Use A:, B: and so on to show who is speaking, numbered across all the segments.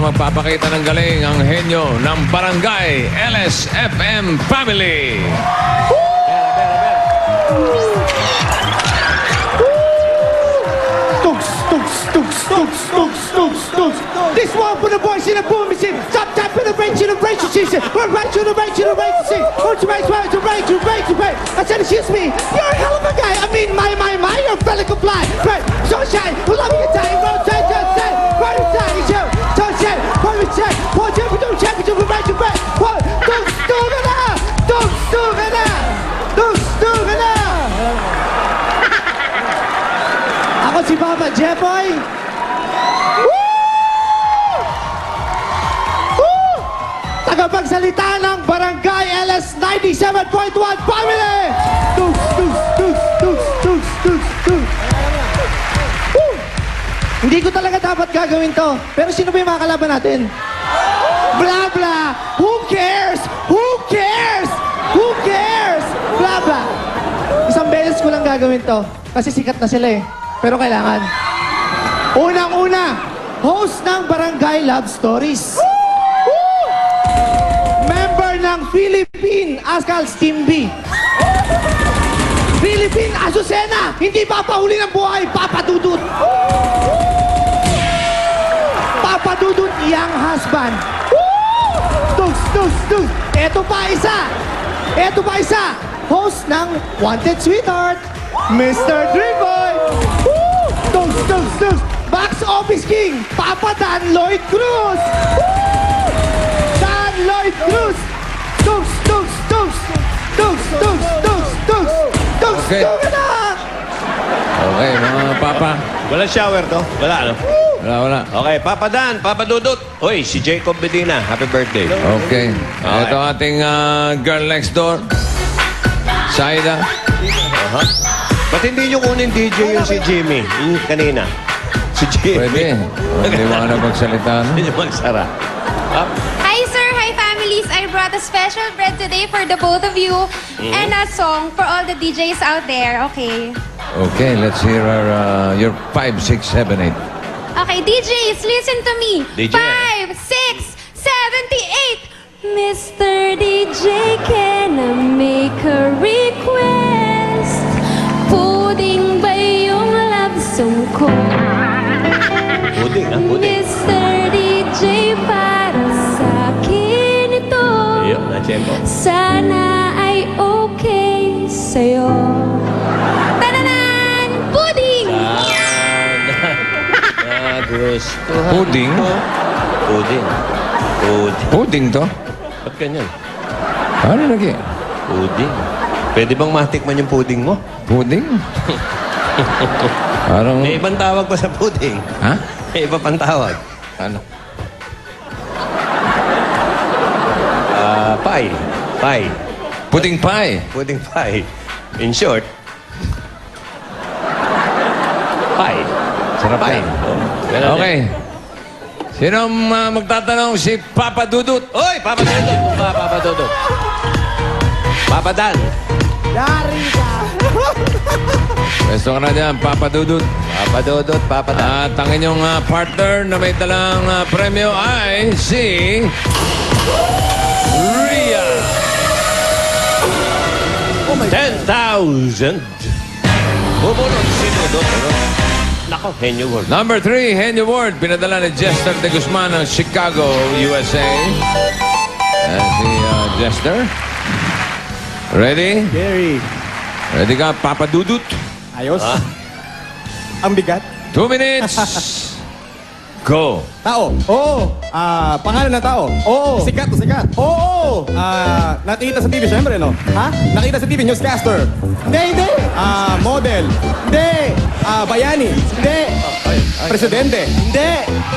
A: magpapakita ng galing ang henyo ng Barangay LSFM Family.
B: This one for the boys in the boom machine. Stop tapping the range in the range season. We're right to the range in the range season. Won't you right to range to range to range? I said, excuse me, you're a hell of a guy. I mean, you're a fella comply. Right, sunshine, we love you time. Rotate, just say, right inside, it's you. Sunshine, right inside. One, two, don't check it, we're right to range. One, don't stop it out. Don't stop it out. Don't stop it out. Ako si Papa Jeboy. Tagapagsalita ng Barangay LS 97.1 Family! Hindi ko talaga dapat gagawin to. Pero sino ba yung mga kalaban natin? Blah, blah! Who cares? Who cares? Who cares? Blah, blah! Isang beses ko lang gagawin to. Kasi sikat na sila eh. Pero kailangan. Unang-una, host ng Barangay Love Stories. Member ng Philippine Ascals Team B. Philippine Azucena, hindi papahuli ng buhay, papadudut. Papadudut, young husband. Tugs. Eto pa isa. Host ng Wanted Sweetheart, Mr. Dreamboy. Tugs. Box Office King, Papa Dan Lloyd Cruz. Lloyd Cruz! Tugs!
A: Okay. Okay, mga papa.
C: Wala shower to? Wala, ano?
A: Wala.
C: Okay, Papa Dan, Papa Dudut. Hoy, si Jacob Medina. Happy birthday.
A: Okay. Ito ating girl next door. Saida.
C: Ba't hindi nyo kunin DJ yung si Jimmy? Yung kanina. Si Jimmy.
A: Pwede. Hindi mo na magsalita. No?
C: Hindi magsara.
D: Hi, sir. Hi, families. I brought a special bread today for the both of you and a song for all the DJs out there. Okay.
A: Okay, let's hear your 5, 6, 7, 8.
D: Okay, DJs, listen to me.
C: DJ.
D: 5, 6, 7, 8. Mr. DJ, can I make a request? Puding ba yung love song ko?
C: Puding, ha? Puding.
D: Mr. DJ, para sa akin ito.
C: Iyo, na-tempo.
D: Sana ay okay sa'yo. Tananan! Puding!
C: Gusto.
A: Puding?
C: Puding.
A: Puding to?
C: Ba't ganyan?
A: Ano lagi?
C: Puding. Pwede bang matikman yung puding mo?
A: Puding? Parang...
C: May ibang tawag pa sa puding.
A: Ha?
C: May iba pang tawag.
A: Ano?
C: Pie.
A: Pudding pie.
C: Puding pie. In short, pie.
A: Sarap
C: Pie.
A: yan.
C: Ganun
A: Okay. Sino magtatanong? Si Papa Dudut.
C: Oy, Papa Dudut. Papa Dudut. Papa Dan.
B: Yari ka!
A: Pwesto ka na dyan, Papa Dudut.
C: Papa Dudut, Papa Dan.
A: At ang inyong partner na may dalang premyo ay si... Ria.
C: 10,000. Bubulot si Dudut. Nako, Henyo World.
A: Number 3, Henry Ward. Pinadala ni Jester de Guzman ng Chicago, USA. Si Jester. Ready?
E: Gary.
A: Ready ka, Papa Dudut?
E: Ayos. Ang bigat.
A: 2 minutes. Go.
E: Tao. Oo. Pangalan ng tao. Oo. Sikat. Oo. Nakita sa TV, syempre, no? Ha? Nakita sa TV, newscaster. Hindi. Model. Hindi. Bayani. Hindi. Presidente. Hindi.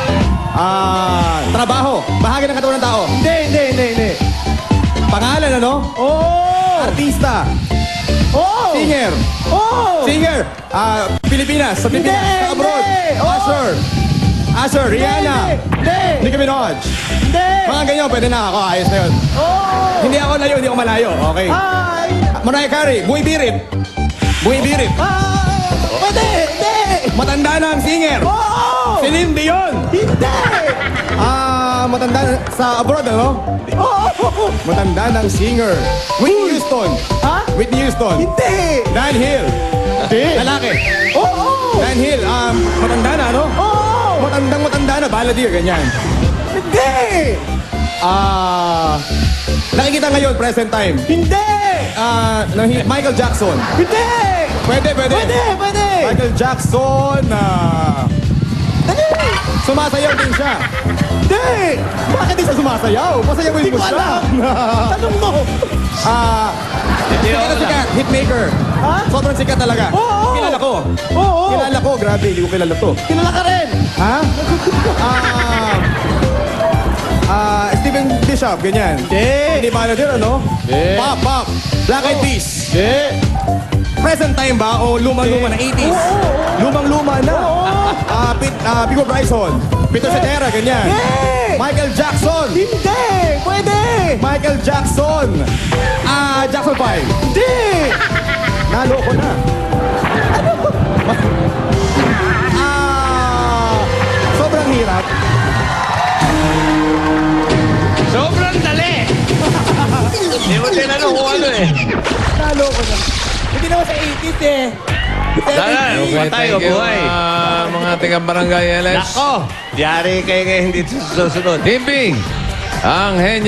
E: Trabaho. Bahagi ng katawan ng tao. Hindi. Pangalan, ano? Oo. Artista. Oo. Singer. Oo. Singer. Pilipinas. Sa Pilipinas. Sa abroad. Asher, Rihanna. Nicki Minaj. Mga ganyan, pwede na ako. Ayos na yun. Hindi ako layo, hindi ako malayo. Okay. Mariah Carey. Buhay Birit.
B: Pwede! Hindi!
E: Matanda na ang singer.
B: Oo!
E: Celine Dion.
B: Hindi!
E: matanda sa abroad, ano?
B: Oo!
E: Matanda ng singer. Whitney Houston.
B: Ha?
E: Whitney Houston.
B: Hindi!
E: Dan Hill.
B: Hindi!
E: Lalaki.
B: Oo!
E: Dan Hill, matanda na, no?
B: Oo!
E: Matanda na, balladeer, ganyan.
B: Hindi!
E: Nakikita ngayon, present time.
B: Hindi!
E: Michael Jackson.
B: Hindi!
E: Pwede.
B: Pwede!
E: Michael Jackson,
B: Dali!
E: sumasayaw din siya.
B: Hindi!
E: Bakit di siya sumasayaw? Pasayawin
B: Hindi
E: mo
B: ko
E: siya.
B: alam! Tanong mo!
E: Sikat na sikat, hitmaker.
B: Ha?
E: Sobrang sikat talaga.
B: Oo.
E: Kilala ko.
B: Oo!
E: Kilala ko, grabe, hindi ko kilala to.
B: Kilala ka rin!
E: Ha? Steven Bishop, ganyan. Hindi manager, ano?
B: Hindi.
E: Pop. Black Eyed Peas.
B: Hindi!
E: Present time ba o lumang-luma na 80s?
B: Oo.
E: Lumang-luma na.
B: Oo.
E: Pico Bryson. Peter Cetera, ganyan.
B: Hindi!
E: Michael Jackson.
B: Hindi! Pwede!
E: Michael Jackson. Jackson 5.
B: Hindi!
E: Naloko na. Sobrang hirap.
C: Sobrang dali! Hindi mo tinanong kung ano eh.
B: Naloko na. Hindi naman sa 80s eh.
C: Sana,
A: Okay,
C: patay o
A: thank you,
C: buhay.
A: mga taga-barangay LS.
C: Nako! Yari kayo ngayon dito sa susunod.
A: Team Ping, ang henyo